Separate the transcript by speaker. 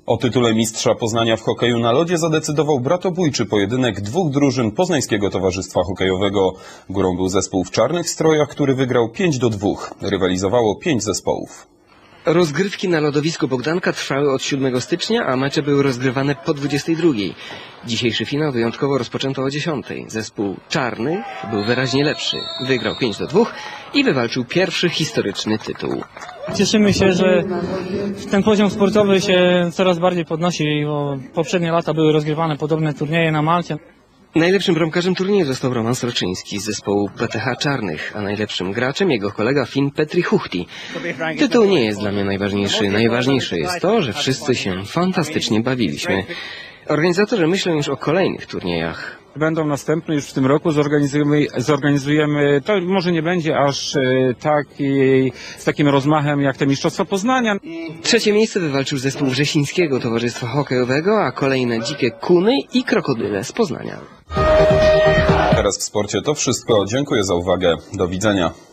Speaker 1: O tytule mistrza Poznania w hokeju na lodzie zadecydował bratobójczy pojedynek dwóch drużyn Poznańskiego Towarzystwa Hokejowego. Górą był zespół w czarnych strojach, który wygrał 5-2. Rywalizowało 5 zespołów.
Speaker 2: Rozgrywki na lodowisku Bogdanka trwały od 7 stycznia, a mecze były rozgrywane po 22. Dzisiejszy finał wyjątkowo rozpoczęto o 10. Zespół czarny był wyraźnie lepszy. Wygrał 5-2 i wywalczył pierwszy historyczny tytuł.
Speaker 3: Cieszymy się, że ten poziom sportowy się coraz bardziej podnosi, bo poprzednie lata były rozgrywane podobne turnieje na Malcie.
Speaker 2: Najlepszym bramkarzem turnieju został Roman Sroczyński z zespołu PTH Czarnych, a najlepszym graczem jego kolega Finn Petri Huhti. Tytuł nie jest dla mnie najważniejszy. Najważniejsze jest to, że wszyscy się fantastycznie bawiliśmy. Organizatorzy myślą już o kolejnych turniejach.
Speaker 4: Będą następne już w tym roku, zorganizujemy, to może nie będzie aż z takim rozmachem jak te Mistrzostwa Poznania.
Speaker 2: Trzecie miejsce wywalczył zespół Wrzesińskiego Towarzystwa Hokejowego, a kolejne dzikie kuny i krokodyle z Poznania.
Speaker 1: Teraz w sporcie to wszystko. Dziękuję za uwagę. Do widzenia.